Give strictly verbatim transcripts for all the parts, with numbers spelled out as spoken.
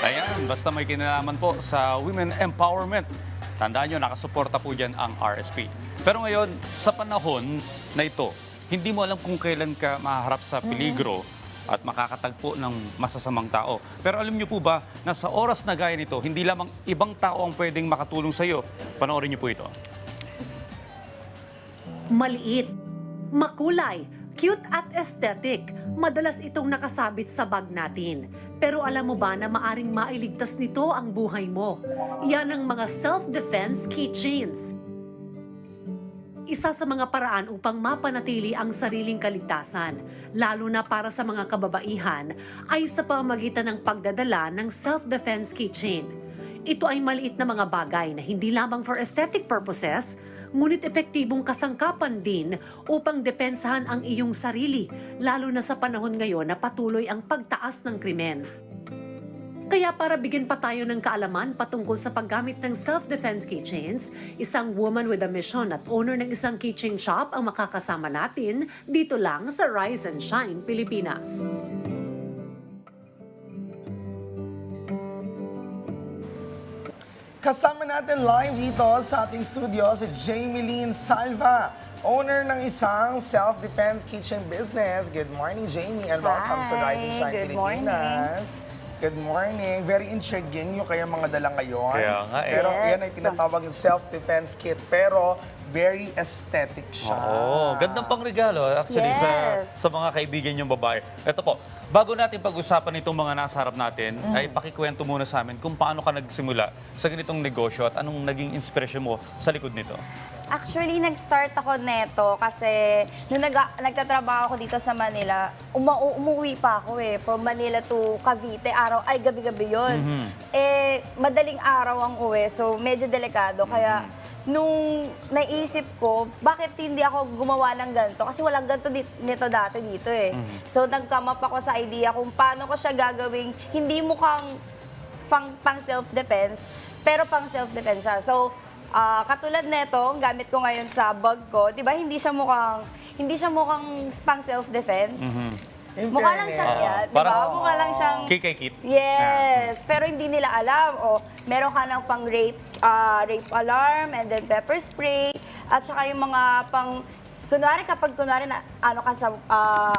Ayan, basta may kinalaman po sa women empowerment. Tandaan nyo, nakasuporta po dyan ang R S P. Pero ngayon, sa panahon na ito, hindi mo alam kung kailan ka maharap sa peligro at makakatagpo ng masasamang tao. Pero alam niyo po ba na sa oras na gaya nito, hindi lamang ibang tao ang pwedeng makatulong sa iyo? Panoorin niyo po ito. Maliit, makulay, cute at aesthetic. Madalas itong nakasabit sa bag natin. Pero alam mo ba na maaring mailigtas nito ang buhay mo? Yan ang mga self-defense keychains. Isa sa mga paraan upang mapanatili ang sariling kaligtasan, lalo na para sa mga kababaihan, ay sa pamamagitan ng pagdadala ng self-defense keychain. Ito ay maliit na mga bagay na hindi lamang for aesthetic purposes, ngunit epektibong kasangkapan din upang depensahan ang iyong sarili, lalo na sa panahon ngayon na patuloy ang pagtaas ng krimen. Kaya para bigyan pa tayo ng kaalaman patungkol sa paggamit ng self-defense keychains, isang woman with a mission at owner ng isang keychain shop ang makakasama natin dito lang sa Rise and Shine, Pilipinas. Kasama natin live dito sa ating studio si Jamie Lynn Salva, owner ng isang self-defense kitchen business. Good morning, Jamie, and welcome Hi, sa Rise and Shine good Pilipinas. Good morning. Very intriguing yung kaya mga dala ngayon. Kaya nga eh. Pero Yes. yan ay tinatawag ng self-defense kit, pero very aesthetic siya. Oo, gandang pangregalo actually sa, Yes. sa mga kaibigan yung babae. Ito po, bago natin pag-usapan itong mga nasa harap natin, ay pakikwento muna sa amin kung paano ka nagsimula sa ganitong negosyo at anong naging inspirasyon mo sa likod nito. Actually, nag-start ako neto kasi nung nag nagtatrabaho ako dito sa Manila, uma umuwi pa ako eh, from Manila to Cavite, araw, ay gabi-gabi yun. Eh, madaling araw ang uwi, so medyo delikado. Kaya nung naisip ko, bakit hindi ako gumawa ng ganito? Kasi walang ganito dit- nito dati dito eh. So nag-come up ako sa idea kung paano ko siya gagawing hindi mukhang pang, pang self-defense, pero pang self-defense siya. So, Ah, katulad nito, ang gamit ko ngayon sa bag ko, 'di ba? Hindi siya mukhang hindi siya mukhang pang self-defense. In Mukha lang fairness. siyang Oo. yan, 'di ba? Parang- Mukha lang siyang K K kit. Yes, pero hindi nila alam. O, meron ka ng pang rape ah, rape alarm and then pepper spray at saka yung mga pang kunwari kapag kunwari na ano ka sa ah,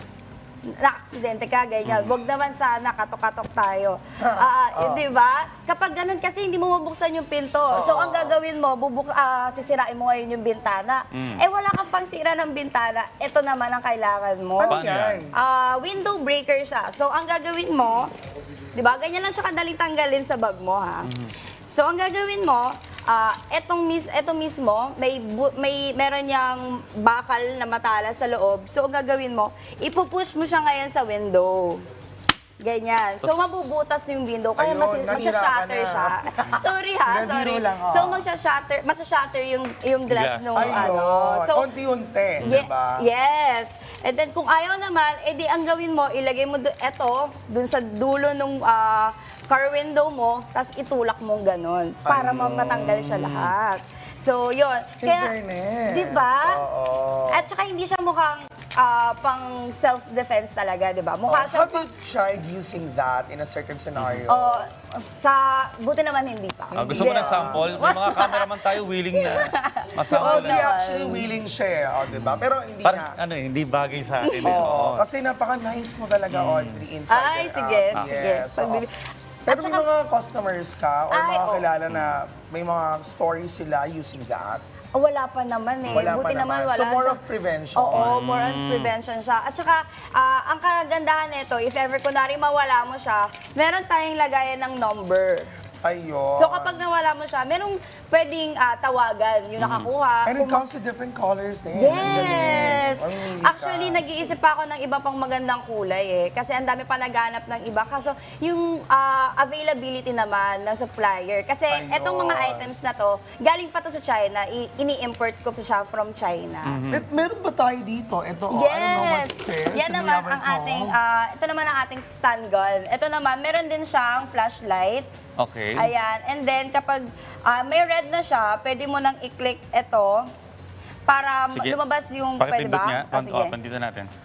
na-aksidente ka, ganyan. Huwag naman sana, katok-katok tayo. Ah, di ba? Kapag ganun kasi, hindi mo mabuksan yung pinto. So, ang gagawin mo, bubuk ah, sisirain mo ngayon yung bintana. Eh, wala kang pangsira ng bintana. Ito naman ang kailangan mo. Ano Paano yan? Ah, window breaker siya. So, ang gagawin mo, di ba? Ganyan lang siya kadaling tanggalin sa bag mo, ha? So, ang gagawin mo, ah, etong, mis etong mismo, may, bu- may meron niyang bakal na matala sa loob. So, ang gagawin mo, ipupush mo siya ngayon sa window. Ganyan. So, mabubutas yung window. Kaya Ayun, mas, nanira magsha-shatter ka na. siya. Sorry ha, Nabiro sorry. lang, oh. So, magsha-shatter, magsha-shatter yung, yung glass Glass. nung Ayun. ano. So, Unti-unti, Ye- di ba? Yes. And then kung ayaw naman, edi ang gawin mo, ilagay mo do- eto dun sa dulo nung ah, car window mo, tapos itulak mong ganun para Ayun. matanggal siya lahat. So, yun. In fairness. Di ba? Oo. At saka hindi siya mukhang ah, pang self-defense talaga, di ba? Mukha siya Have you tried using that in a certain scenario? Oh, sa buti naman hindi pa. Ah, gusto mo Hindi. ng sample? May mga cameraman tayo willing na So, masample Audrey na. naman. actually willing siya, eh, oh, di ba? Pero hindi Parang na. ano eh, hindi bagay sa atin. eh. Oo, Oo. kasi napaka-nice mo talaga, Audrey, inside Ay, and sige, out. sige. Yes, oo. Pagbibi- Pero At may saka- mga customers ka or Ay, mga oo. kilala na may mga stories sila using that? Oh, wala pa naman eh. Wala pa Buti naman, naman. wala. So, more Siya- of prevention. Oo, more on prevention siya. At saka, ah, ang kagandahan nito, if ever kunwari mawala mo siya, meron tayong lagayan ng number. Ayun. So kapag nawala mo siya, merong pwedeng ah, tawagan yung nakakuha. And it Kung- comes with different colors din. Ang Yes! galing. Mamimili ka. Actually, nag-iisip pa ako ng iba pang magandang kulay eh. Kasi ang dami pa naghanap ng iba. Kaso yung ah, availability naman ng supplier. Kasi Ayun. etong mga items na to, galing pa to sa China. I- ini-import ko pa siya from China. Eh, meron ba tayo dito? Ito, oh, I don't know Yes! what's this. Yan Ano naman yaman ang ito? ating, ah, ito naman ang ating stun gun. Ito naman, meron din siyang flashlight. Okay. Ayan. And then, kapag ah, may red na siya, pwede mo nang i-click ito para Sige. lumabas yung, pwede Pakipindot ba? niya. Ah, Pan- sige. oh, pandito natin.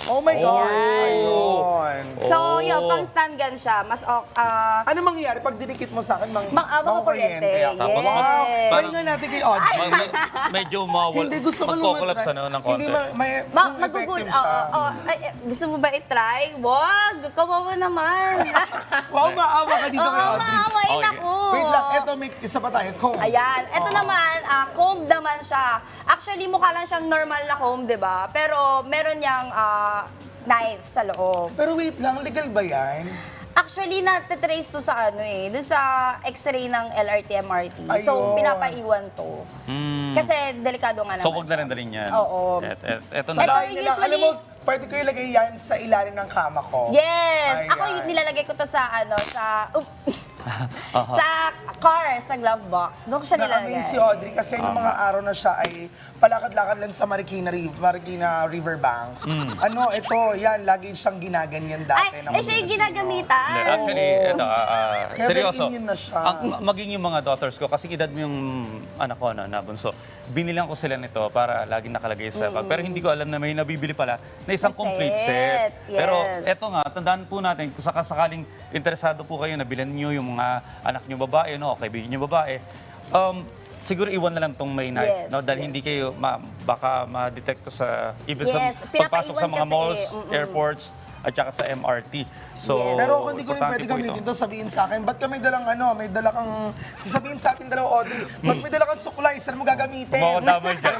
Oh my God! Oh. Ayun. So, Oh. yun, pang stand gun siya. Mas, ok- ah, Ano mangyayari pag dinikit mo sa akin? Mang, Mang- ah, mga kuryente. ako. Yes. Wow! Parang- Try nga natin kay Audrey. Ma- me- medyo mawal, Hindi, gusto ko magkokolaps naman. ano, ng Hindi, konti. ma- may, ma kung magugul. effective Oo, siya. oo. Ay, eh, gusto mo ba i-try? Wag! Kawawa naman. Wow, maawa ka dito Oo, kay Audrey. maawain Okay. ako. Wait lang, eto may isa pa tayo. Comb. Ayan. Ito Oo. naman, ah, comb naman siya. Actually, mukha lang siyang normal na comb, di ba? Pero meron niyang ah, knife sa loob. Pero wait lang, legal ba yan? Actually, natitrace to sa ano eh, dun sa x-ray ng L R T M R T. So, Ayun. pinapaiwan to. Mm. Kasi delikado nga naman So, huwag na siya. rin dalhin yan. Oo. Et, et, eto Sa na. Ito, bahay nila, usually- alam mo, pwede ko ilagay yan sa ilalim ng kama ko. Yes! Ayan. Ako yung nilalagay ko to sa ano, sa... um, sa car, sa glove box. Doon ko siya nilalagay. Na-amaze si Audrey kasi nung mga araw na siya ay palakad-lakad lang sa Marikina, River, Marikina Riverbanks. Ano, ito, yan, lagi siyang ginaganyan dati. Ay, ng eh mga siya yung vecino. ginagamitan. Hindi, actually, ito, ah, ah, Kaya seryoso. very Indian na siya. Ang, ma- maging yung mga daughters ko, kasi edad mo yung anak ko na nabunso, binilang ko sila nito para laging nakalagay sa bag. Pero hindi ko alam na may nabibili pala na isang Na complete set. set. Pero Yes. eto nga, tandaan po natin, kung sakasakaling interesado po kayo na bilhan nyo yung mga anak nyo babae, no, o kaibigan nyo babae, um, siguro iwan na lang tong may knife, Yes, no? Dahil yes, hindi kayo ma- baka ma-detect to sa even Yes, sa pagpasok sa pinapaiwan mga kasi malls, eh, mm-mm. airports, at saka sa M R T. So, Yes. Pero kung hindi ko rin importante pwede po gamitin ito. to, sabihin sa akin, ba't ka may dalang ano, may dala kang, sasabihin sa atin dalawa, Audrey, ba't may dala kang suklay, saan mo gagamitin? Mga damay dyan.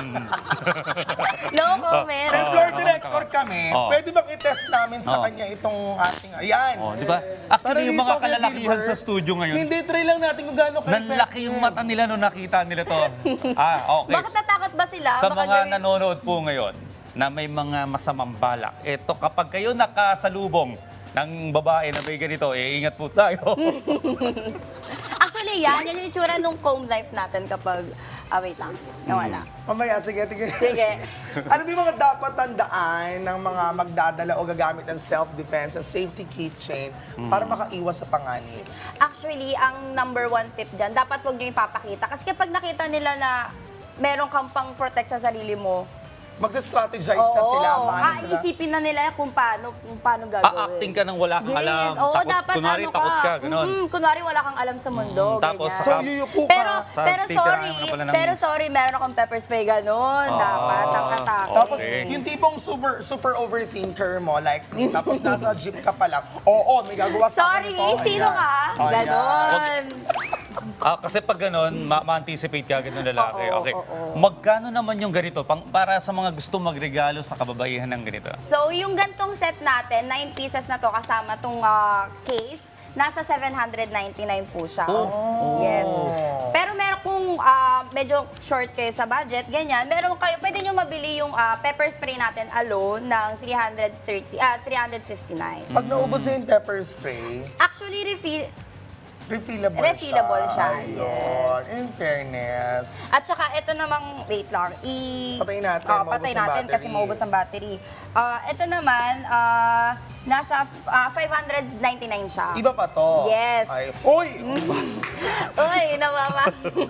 No comment. And Oo, floor oo, director kami, Oo. pwede bang i-test namin sa Oo. kanya itong ating, ayan. Oh, di ba? Para Actually, yung dito mga kay kalalakihan Gilbert, sa studio ngayon, Hindi, try lang natin kung gaano nanlaki yung mata nila nung nakita nila to. Ah, okay. Bakit natakot ba sila? Sa Baka mga gawin- nanonood po ngayon na may mga masamang balak, eto kapag kayo nakasalubong ng babae na may ganito, eh, ingat po tayo. Actually, yan. Yan yung itsura nung comb life natin kapag... Ah, wait lang. Nawala. Mamaya, sige, tingin. Sige. Ano ba yung mga dapat tandaan ng mga magdadala o gagamit ng self-defense at safety keychain para makaiwas sa panganib? Actually, ang number one tip dyan, dapat huwag nyo ipapakita. Kasi kapag nakita nila na meron kang pang protect sa sarili mo, Magsa-strategize na sila, paano sila? isipin na nila kung paano, kung paano gagawin. A-acting ka nang wala kang yes. alam. Oo, Takot- dapat kunwari, ano takot ka, ganun. Mhm, kunwari wala kang alam sa mundo, Mm, tapos ganyan. So, yuyuko ka. Pero, Sa pero titirahan sorry, ka pala ng- pero sorry, meron akong pepper spray ganun. dapat, ang katakot. Tapos, Okay. yung tipong super super overthinker mo, like me, tapos nasa jeep ka pa lang, oo, may gagawa sa Sorry, akin ito. sino Ayan. ka? Ayan. Ganon. Ah, kasi pag ganun, ma- ma-anticipate ka agad ng lalaki. Oo, Okay. oo. Magkano naman yung ganito pang, para sa mga gusto magregalo sa kababaihan ng ganito? So, yung gantong set natin, nine pieces na to kasama tong ah, case, nasa seven hundred ninety-nine po siya. Oh. Yes. Pero meron kung ah, medyo short kayo sa budget, ganyan, meron kayo, pwede nyo mabili yung ah, pepper spray natin alone ng three hundred thirty, ah, three hundred fifty-nine. Pag naubos na yung pepper spray, Actually, refill, refillable, Refillable siya, Ayun. yes. In fairness. at saka ito namang, wait lang, i... Patayin natin, Ah, maubos patay ang natin kasi battery. maubos ang battery. Ah, ito naman, ah, nasa ah, five hundred ninety-nine siya. Iba pa to. Yes. Ay, uy! Uy, namama.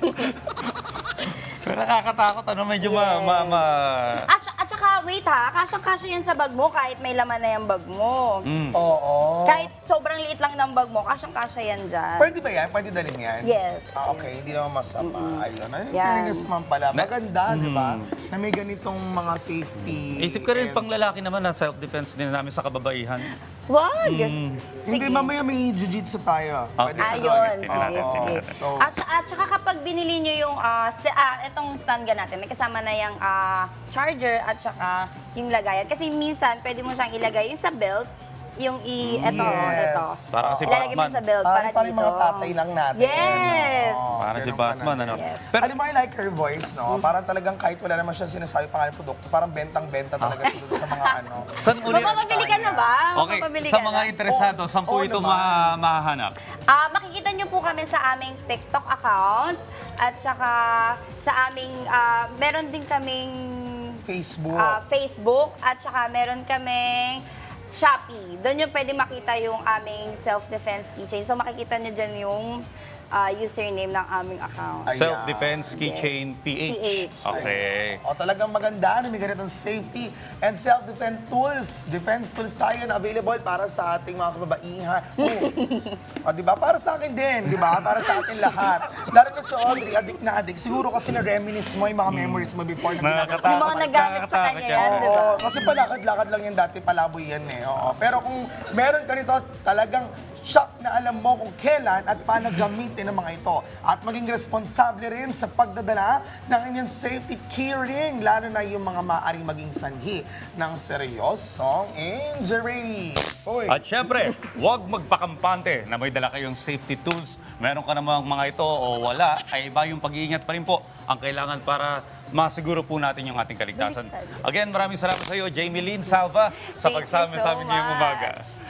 Pero nakakatakot, ano, medyo ma... ma, ma at, at saka, wait ha, kasyang-kasya yan sa bag mo kahit may laman na yung bag mo. Oo. Kahit sobrang liit lang ng bag mo, kasyang-kasya yan dyan. Pwede ba yan? Pwede dalhin yan? Yes. Ah, okay, hindi naman masama. Ayun. Ay, Yan. fairness naman pala. Maganda, di ba? Na may ganitong mga safety. Isip ka rin, and- pang lalaki naman na self-defense din namin sa kababaihan. Wag! Hindi, mamaya may jiu-jitsu tayo. Ah. Pwede ka Ayun, doon. sige, natin, sige. tingnan natin. So- At, sa- at saka kapag binili nyo yung, ah, si, ah, itong stand gun natin, may kasama na yung ah, charger at saka yung lagayan. Kasi minsan, pwede mo siyang ilagay yung sa belt, yung i, eto, Yes. eto. Para kasi Ilalagay mo Batman. sa belt para Parang parang dito. mga tatay lang natin. Yes! Oo, Para si ganun Batman, ka na. ano? Yes. Pero, Alam mo, I like her voice, no? Parang talagang kahit wala naman siya sinasabi pangalan ng produkto, parang bentang-benta talaga siya dun sa mga ano. saan uli? Mapapabili ka na ba? Okay, Mapapabili sa ka mga na? interesado, saan po Oo ito naman. ma- mahahanap? Ah, makikita niyo po kami sa aming TikTok account at saka sa aming ah, meron din kaming Facebook. ah, Facebook at saka meron kaming Shopee. Doon yung pwede makita yung aming self-defense keychain. So makikita niyo dyan yung ah, username ng aming account. Ay, Self-Defense Yes. Keychain P H. P H. Okay. O talagang maganda na may ganitong safety and self-defense tools. Defense tools tayo na available para sa ating mga kababaihan. Oh. O, di ba? Para sa akin din, di ba? Para sa atin lahat. Lalo na si Audrey, adik na adik. Siguro kasi na-reminisce mo yung mga memories mo before na Nakakatakot. Yung mga nagamit sa Nakakatakot kanya yan. yan, di ba? Oo, kasi palakad-lakad lang yan dati, palaboy yan eh. Oo. Pero kung meron ka nito, talagang shock na alam mo kung kailan at paano gamitin ang mga ito. At maging responsable rin sa pagdadala ng inyong safety keyring, lalo na yung mga maaaring maging sanhi ng seryosong injury. Uy. At syempre, huwag magpakampante na may dala kayong safety tools. Meron ka namang mga ito o wala, ay iba yung pag-iingat pa rin po ang kailangan para masiguro po natin yung ating kaligtasan. Again, maraming salamat sa iyo, Jamie Lynn Salva, sa Thank you pagsama so sa amin ngayong much. umaga.